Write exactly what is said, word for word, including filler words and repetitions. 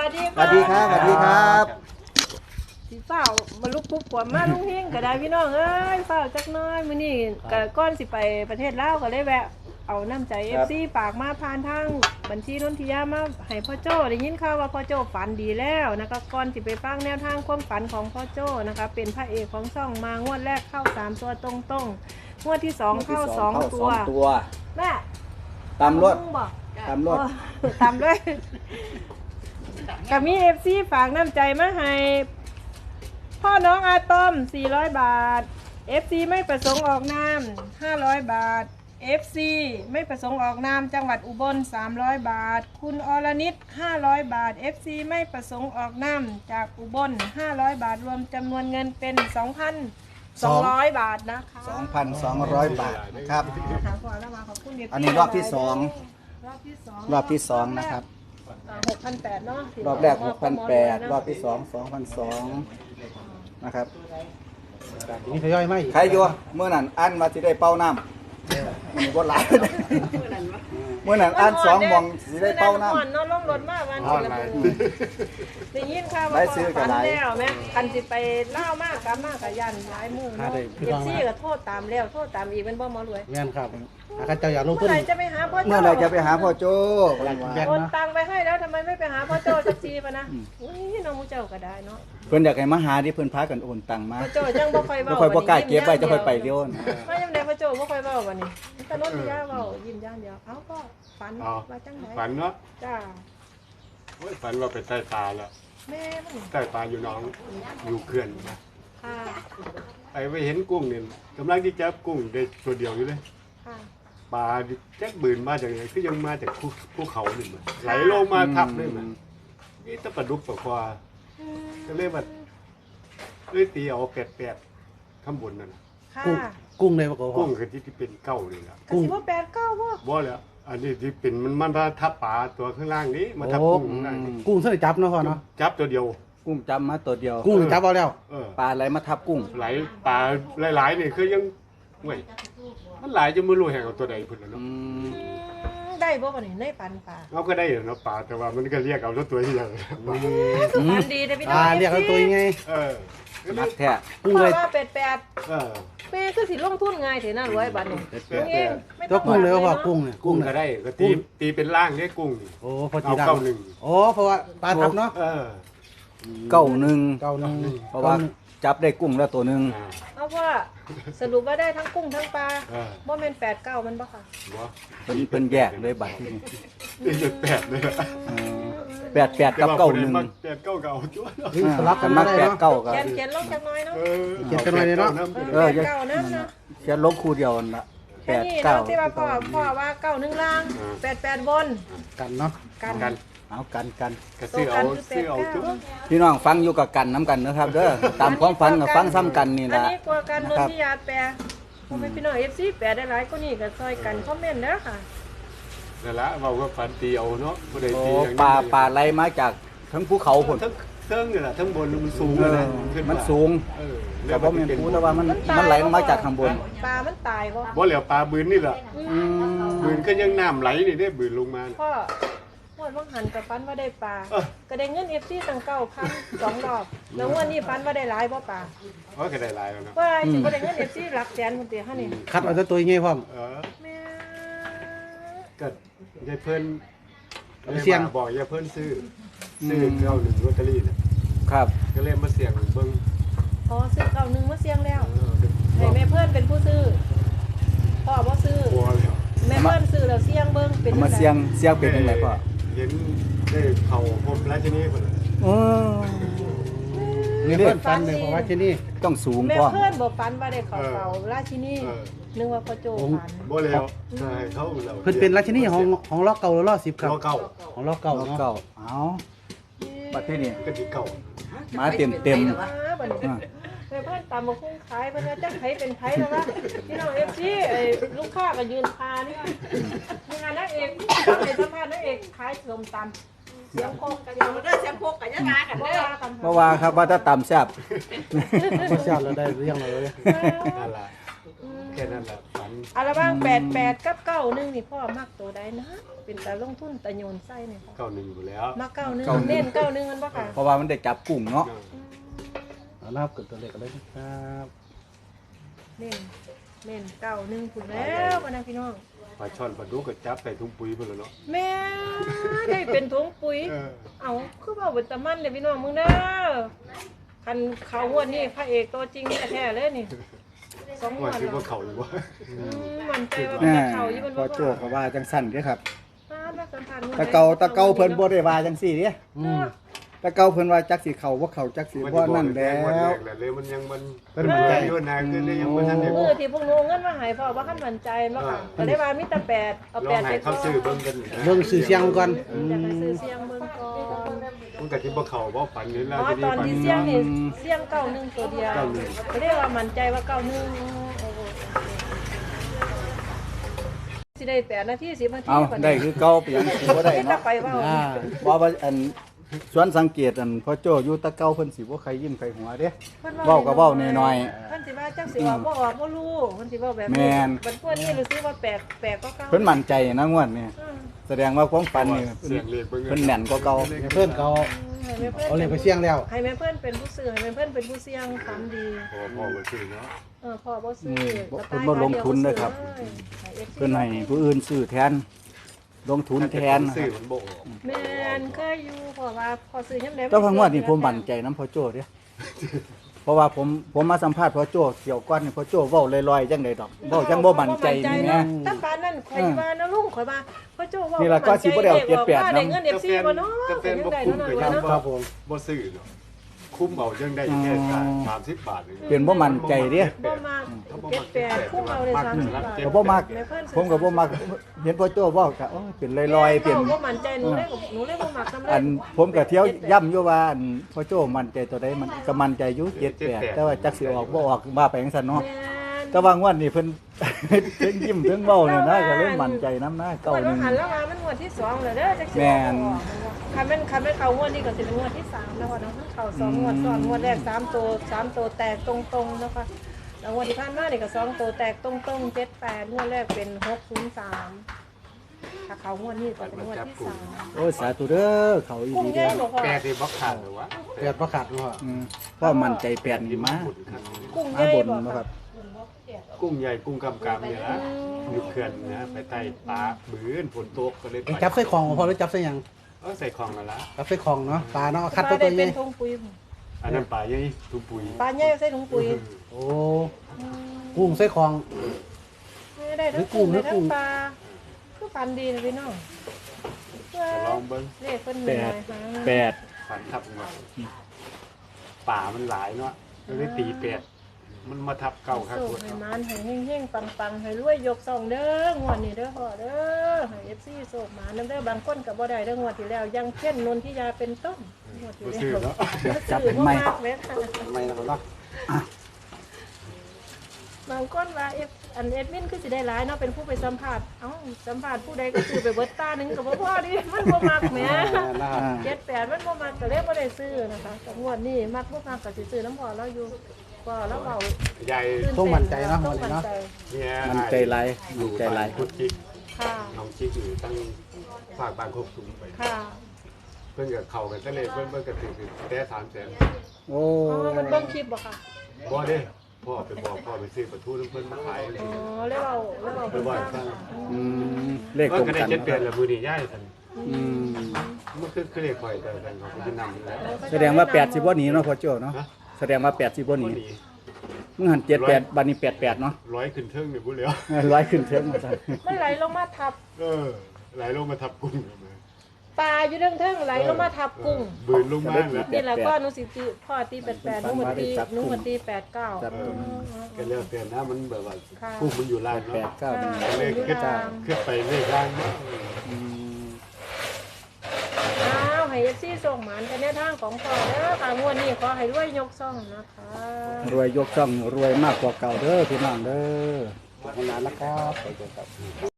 วัสดีสวัสดีครับสวัสดีครับสีเฝ้ามาลุกปุ๊บกว่ามาลุงเฮงก็ได้พี่น้องเอ้ยเฝ้าจักน้อยมื้อนี้ก็ก้อนสิไปประเทศลาวก็เลยแวะเอาน้ำใจ เอฟ ซี ฝากมาผ่านทางบัญชีนนทิยามาให้พ่อโจ้ได้ยินข่าวว่าพ่อโจ้ฝันดีแล้วนะคะก่อนสิไปฟังแนวทางความฝันของพ่อโจ้นะคะเป็นพระเอกของช่องมางวดแรกเข้าสามตัวตรงๆงวดที่สองเข้าสองตัวแม่ตามรถตามรถตามด้วยกับมี เอฟ ซี ฝากน้ำใจมาให้พ่อน้องอาตอมสี่ร้อยบาท เอฟ ซี ไม่ประสงค์ออกนามห้าร้อยบาท เอฟ ซี ไม่ประสงค์ออกนามจังหวัดอุบลสามร้อยบาทคุณอรนิตห้าร้อยบาท เอฟ ซี ไม่ประสงค์ออกนามจากอุบลห้าร้อยบาทรวมจำนวนเงินเป็น สองพันสองร้อย บาทนะคะสองพันสองร้อย บาทนะครับอันนี้รอบที่สองรอบที่สองรอบที่สองนะครับหกพันแปดเนาะรอบแรก หกพันแปดร้อย รอบที่สอง สองพันสองร้อย นะครับนี่ทยอยไหมใครอยู่เมื่อนั้นอันมาสิได้เป้าน้ำมันบ่หลายเมื่อนั้นอันสองมองสิได้เป้าน้ำนอนลงรถมาวันนี้ได้ยินข่าวว่าฝันแล้วแม่คันสิไปเล่ามากกลับมากกับยันหลายมือเนาะเอฟซีก็โทษตามแล้วโทษตามอีกเป็นบ่หมอรวยเงี้ยครับอาจารย์อยากลงทุนเมื่อไหร่จะไปหาพ่อโจ้เมื่อไหร่จะไปหาพ่อโจ้โอนตังไปให้แล้วทำไมไม่ไปหาพ่อโจ้สักทีปะนะอุ้ยน้องมูเจ้าก็ได้เนาะเพิ่นอยากให้มาหาที่เพิ่นพากันโอนตังมาพ่อโจ้จังบ่ค่อยเว้าบ่ค่อยบ่กล้าเก็บไว้จะค่อยไปเร็วมายังไดพ่อโจ้บ่ค่อยเว้าบัดนี้ตะนนทิยาเว้ายิ้มอย่างเดียวเอ้าก็ฝันว่าจังได๋ฝันเนาะจ้าโอ้ยฝันว่าไปใต้ปลาแล้วแม่มันใต้ปลาอยู่น้องอยู่เขื่อนนะค่ะไปไปเห็นกุ้งนี่กำลังที่จับกุ้งได้ตัวเดียวอยู่เลยค่ะปลาแจ๊กบืนมาจากไหนคือยังมาจากภูเขาหนึ่งไหลลงมาทับเลยมันนี่ตะปลาดุกปลาควาก็เลยว่าเลยตีเอาแปดแปดข้างบนนั่นค่ะกุ้งเลยปะโกกุ้งคือที่เป็นเก้าเลยล่ะกุ้งสิบ่แปดเก้าบ่บ่แล้วอันนี้ที่เป็นมันมันมาทับปลาตัวข้างล่างนี้มาทับกุ้งข้างล่างนี้กุ้งเส้นจับเนาะพ่อเนาะจับตัวเดียวกุ้งจำมาตัวเดียวกุ้งจับเอาแล้วปลาไหลมาทับกุ้งไหลปลาหลายๆนี่คือยังเว้ยมันหลายจะไม่รู้แห่งตัวใดพุ่นแล้วเนาะได้บ่บ่นี่ในปันปลาเอาก็ได้เนาะปลาแต่ว่ามันก็เรียกเอาตัวที่ยังปันดีเด้อพี่น้องเรียกเอาตัวยังไงเออนักแท้กุ้งเลยว่าเป็ดแปดเออแม่คือสิลงทุนง่ายเถอะน่ารวยบัดนี้ตัวกุ้งเลยว่ากุ้งเนี่ยกุ้งก็ได้ก็ตีตีเป็นล่างเนี่ยกุ้งโอ้พอตีเก้าหนึ่งโอ้เพราะว่าปลาทับเนาะเออเก้าหนึ่งเก้าหนึ่งเพราะว่าจับได้กุ้งแล้วตัวหนึ่งเอาว่าสรุปว่าได้ทั้งกุ้งทั้งปลาบ่แม่นแปดเก้ามันบ่ค่ะบ่เป็นเป็นแยกเลยบัดนี้เป็นแปดเลยแปดแปดกับเก้าหนึ่งแปดเก้าเก้าจ้วสลับกันมาแปดเก้ากันเขียนเขียนลงจักหน่อยเนาะเขียนจักหน่อยเนาะเออเก้านะนะเขียนลงคู่เดียวน่ะแปดเก้าที่ว่าพ่อพ่อว่าเก้าหนึ่งล่างแปดแปดบนกันเนาะกันกันเอากันกันก็ซื้อเอาซื้อเอาจุ๊บพี่น้องฟังอยู่กับกันน้ำกันนะครับเด้อตามความฝันกับฟังซ้ำกันนี่แหละอันนี้กลัวกันนนทิยาแปลพ่อแม่พี่น้อง เอฟ ซี แปลได้หลายก็นี่ก็ซอยกันคอมเมนต์เด้อค่ะนั่นละเว้าว่าฝันตีเอาเนาะบ่ได้ตีปลาปลาไหลมาจากทั้งภูเขาพุ่นทั้งเทิงนี่แหละทั้งบนมันสูงเลยนะมันสูงเออแต่บ่แม่นภูแต่ว่ามันมันไหลมาจากข้างบนปลามันตายบ่บ่แล้วปลาบืนนี่แหละบืนก็ยังน้ำไหลนี่ได้บืนลงมาพ่อพ่อว่างหันกับฟันว่าได้ปลาก็ได้เงิน เอฟ ซี ตั้งเก้าพันสองรอบแล้ววันนี้ฟันว่าได้หลายบ่ปลาว่าก็ได้หลายแล้วนะว่าสิบ่ได้เงิน เอฟ ซี หลักแสนพุ่นติฮะนี่คัดเอาตัวยังไงพ่อเออแม่ก็ยายเพิ่นเสี่ยงบอกยายเพิ่นซื้อซื้อเก้าหนึ่งลอตเตอรี่นะครับก็เลยมาเสี่ยงเบิ่งอ๋อซื้อเก้าหนึ่งมาเสี่ยงแล้วให้แม่เพิ่นเป็นผู้ซื้อพ่อบ่ซื้อแม่เพิ่นซื้อแล้วเสี่ยงเบิ่งเป็นมาเสี่ยงเสี่ยงเป็นจังไดพ่อเห็นได้เข้าพบราชินีพุ่นเออนี่เพิ่นฝันเลยเพราะว่าที่นี่ต้องสูงพ่อแม่เพิ่นบ่ฝันว่าได้เข้าเฝ้าราชินีนึกว่าพ่อโจฝันบ่แล้วใช่เขาเราเพิ่นเป็นราชินีของของล็อกเก่าหรือล็อกสิบครับล็อกเก่าของล็อกเก่าเนาะเอาบัดนี้ก็สิเก่ามาเต็มเต็มแม่เพิ่นตามมาคุ้งขายเพิ่นว่าจักไผเป็นไผแล้วว่าพี่น้อง เอฟ ซี ไอ้ลูกค้าก็ยืนพานี่มีงานนางเอกทำให้สัมภาษณ์นางเอกขายส้มตำเสียงโคกกันอยู่เด้อเสียงโคกกันยังมากันเด้อเพราะว่าครับว่าถ้าตำแซ่บแซ่บแล้วได้เรื่องเลยนั่นล่ะแค่นั้นแหละฝันอาระว่างแปดแปดกับเก้าหนึ่งนี่พ่อมักตัวใดนะเป็นตาลงทุนตะโยนไส้เนี่ยพ่อเก้าหนึ่งอยู่แล้วมักเก้าหนึ่งเน้นเก้าหนึ่งมันปะค่ะเพราะว่ามันได้จับกุ้งเนาะเอานะครับกดตัวเลขกันเลยนะครับเน้นเน้นเก้าหนึ่งคุณแล้วกันนะพี่น้องปลาช่อนปลาดุกก็จับใส่ถุงปุ๋ยไปแล้วเนาะแม่ได้เป็นถุงปุ๋ยเออเอาคือว่าบุตรมันเลยพี่น้องมึงเด้อคันเขางวดนี่พระเอกตัวจริงแท้ๆเลยนี่สองงวว่าดคิดแล้วว่าเขาอยู่ว่าอืมมันใจว่ามันแม่จะเข่าอยู่มันพอว่าโจก็ว่าจังสั่นเด้อครับป้าดว่าสัมพันธ์ตะเกาตะเกาเพิ่นบ่ได้ว่าจังซี่เด้อืมตะเกาเพิ่นว่าจักสิเข้าบ่เข้าจักสิบ่นั่นแล้วเลยมันยังมันเพิ่นมั่นใจอยู่นานขึ้นเลยยังมันทันเด็กมือที่พวกหนูเงินมาใหายพ่อว่าขั้นมั่นใจมาค่ะก็ได้ว่ามีแต่แปดเอาลอแปงดให้ไปเขาซื้อเบิ่งกันเบิ่งสื่อเสียงก่อนอยากให้ซื้อเสียงเบิ่งก่อนมันก็สิบ่เข้าบ่ฝันนี่เพแล้วราะทีตอนฝันที่เสียงนี่เสียงเก้าหนึ่งตัวเดียวก็ได้ว่ามั่นใจว่าเก้าหนึ่งโอ้โหสิได้แปดนาทีสิบนาทีเอาได้คือเก่าไปยังสิบ่ได้ถ้าเนาะไปว่าอ่าเพราะว่าอันสวนสังเกตอันพอโจอยู่ตะเกาเพิ่นสิบ่ใครยิ้มใครหัวเด้ เว้าก็เว้าน้อยๆเพิ่นสิว่าจังสิออกบ่ออกบ่รู้เพิ่นสิเว้าแบบแม่นบัดพวกนี้รู้สึกว่าแปลกแปลกก็เก่าเพิ่นมั่นใจนะงวดนี้อืมแสดงว่าความฝันนี่เสียงเลขเบิ่งเพิ่นแม่นกว่าเก่าเพื่อนเขาให้แม่เพิ่นเอาเลขไปเสี่ยงแล้วให้แม่เพิ่นเป็นผู้ซื้อให้แม่เพิ่นเป็นผู้เสี่ยงฝันดีพอพอบ่ซื้อเนาะเออพ่อบ่ซื้อเพิ่นบ่ลงทุนเด้อครับ เพิ่นให้ผู้อื่นซื้อแทน ลงทุนแทนนะคซื้อรับมันบ่ออกแม่นเคยอยู่เพราะว่าพอซื้อยามใดแต่ว่างวดนี้ผมมั่นใจนํพ่อโจเด้เพราะว่าผมผมมาสัมภาษณ์พ่อโจเกี่ยวก่อนนี่พ่อโจเว้าลอยๆจังได๋ดอกเว้าจังบ่มั่นใจนี่แหมถ้าปานนั้นข่อยว่านะลุงข่อยว่าพ่อโจ้ว่านี่ล่ะก็สิบ่ได้เอาเจ็ดแปดว่าได้เงิน F C บ่เนาะแต่แฟนบ่ได้คุ้มเนาะก็ยังเนาะบ่บ่ซื้อเนาะคุ้มเอายังได้แค่สามสิบบาทเป็นบ่มั่นใจเด้บ่มาเจ็ดแปดคุ้มเอาเลยสามสิบบาทก็บ่มักแเพิ่นผมก็บ่มักเห็นพ่อโจเว้าก็โอ้ยเป็นลอยๆเป็นบ่มั่นใจหนูเลยหนูเลยบ่มักนำเลยอันผมก็เที่ยวย่ำอยู่ว่าอันพ่อโจ้มั่นใจตัวใดมันก็มั่นใจอยู่เจ็ดแปดแต่ว่าจักสิออกบ่ออกมาไปจังซั่นเนาะแม่นแต่ว่างวดนี้เพิ่น เพิ่นยิ้มเพิ่นเว้าเนี่ยนะก็เลยมั่นใจนํนะเก้าเก้าหหนึ่นึ่งงหันแล้วมามันงวดที่สองแล้วเด้อจักสิแม่นคันแม่นคันแม่นเข้างวดนี้ก็สิเป็นงวดที่สามแล้วว่าเนาะเข้าสองงวดซ้อนงวดแรกสามตัวสามตัวแตกตรงๆนะคะแล้วงวดที่ผ่านมานี่ก็สองตัวแตกตรงๆเจ็ดแปดงวดแรกเป็นหกศูนย์สามถ้าเข้างวดนี้ก็เป็นงวดที่สามโอ้ยสาธุเด้อเขาอีกุ้งดีใหญ่เด้อบ่พอแปดสิบ่ขาดหรือวะเกิดประกาศว่าอืมพ่อมั่นใจแปดนี่มากุ้งใหมาญ่บนบ่บ่คครัรับบกุ้งใหญ่กุ้งกำกำเนี่ยนะอยู่เขื่อนนะไปใต้ปลาบืนฝนตกก็เลยไอ้จับใส่ของบ่พอหรือจับใส่หยังเออใส่ของกันละจับใส่ของเนาะปลาเนาะเอาคัดปตัลาวตัได้วใหเป็ญ่นถุงปุ๋ยอันนั้นปลาใหญ่ทุกปุ๋ยปลาใหญ่ใส่ถุงปุ๋ยโอ้กุ้งใส่ของไม่ได้ทั้งกุ้งได้ทั้งปลาคือฟันดีนะพี่น้องลองเบิ้งเลขเพิ่นมีแปหดลายหางแปดฝันทับมาป่ามันหลายเนาะเลยตีแปดมันมาทับเก่าครับโชคให้มานให้เฮงๆปังๆให้รวยยกซองเด้องวดนี้เด้อพ่อเด้อให้ เอฟ ซี โชคมานำเด้อบางคนก็บ่ได้เด้องวดที่แล้วยังเช่นนนทิยาเป็นต้นงวดที่บ่แล้วซื้อเนาะจับซื้อเป็นไม้บ่มากแม่ค่ะไม่นะครับเนาะบางคนว่าเอฟอันเอดมินคือสิได้หลายเนาะเป็นผู้ไปสัมภาษณ์เอ้าสัมภาษณ์ผู้ใดก็ซื้อไปเบิดตาหนึงก็บ่พอดิมันบ่มักแหมนะครับเจ็ดแปดมันบ่มักก็เลยบ่ได้ซื้อนะคะแต่งวดนี้มักบ่มักก็สิซื้อน้ำพอเราอยู่พอแล้วเว้าใหญ่ต้องมั่นใจเนาะต้วัอน งนี้มั่นเนาะใจเนี่ยมันใจหลายอมันยู่ใจหลายพุทธิกค่ะน้องชิกอยู่ตั้งฝากบางครบสูงไปค่ะเพิ่นกับเขากันทะเลเพิ่นเพิ่นก็ถือแต่สามแสนโอ้อ๋อมันเบิ่งคลิปบ่ค่ะบ่เด้พ่อไปบอกพ่อไปซื้อปลาทูน้ำเพิ่นมาขายอ๋อแล้วเอาแล้วเอาไปบ่อยฟังอืมเลขเอตอรงก็ได้กันเจ็ดนะเปคลี่ยนรับแล้วมื้อนี้ย้ายซั่นอืมมันคือคือเลขข่อยแต่แต่เขาก็จะนำอยู่แล้วแสดงว่าแปดสิบ่หนีเนาะพ่อโจ้เนาะแสดงว่าแปดสิบ่หนีบ่หนีมึงหันเจ็ดแปดบัดนี้แปดแปดเนาะร้อยขึ้นเทิงนี่บ่เหลียวร้อยขึ้นเทิงมาซั่นไม่ไหลลงมาทับเออไหลลงมาทับกุ้งเลยปลาอยู่เทิงเทิงไหลลงมาทับกุ้งบืนลงมาแล้วนี่แหละก็หนูสิตีพ่อตีแปดแปดหนูมาตีหนูมาตีแปดเก้าจับตรงก็เรียกเปลี่ยนนะมันแบบว่าค่ะกุ้งมันอยู่ล่างแปดเนาะเก้าหนึ่งก็เลยขึ้นขึ้นไปเลขล่างเนาะอืมอ้าวให้เอฟซีส่งหมานกันในทางของพ่อเด้อค่ะงวดนี้ขอให้รวยยกซ่องนะคะรวยยกช่องรวยมากกว่าเก่าเด้อพี่น้องเด้อขอบคุณนะครับ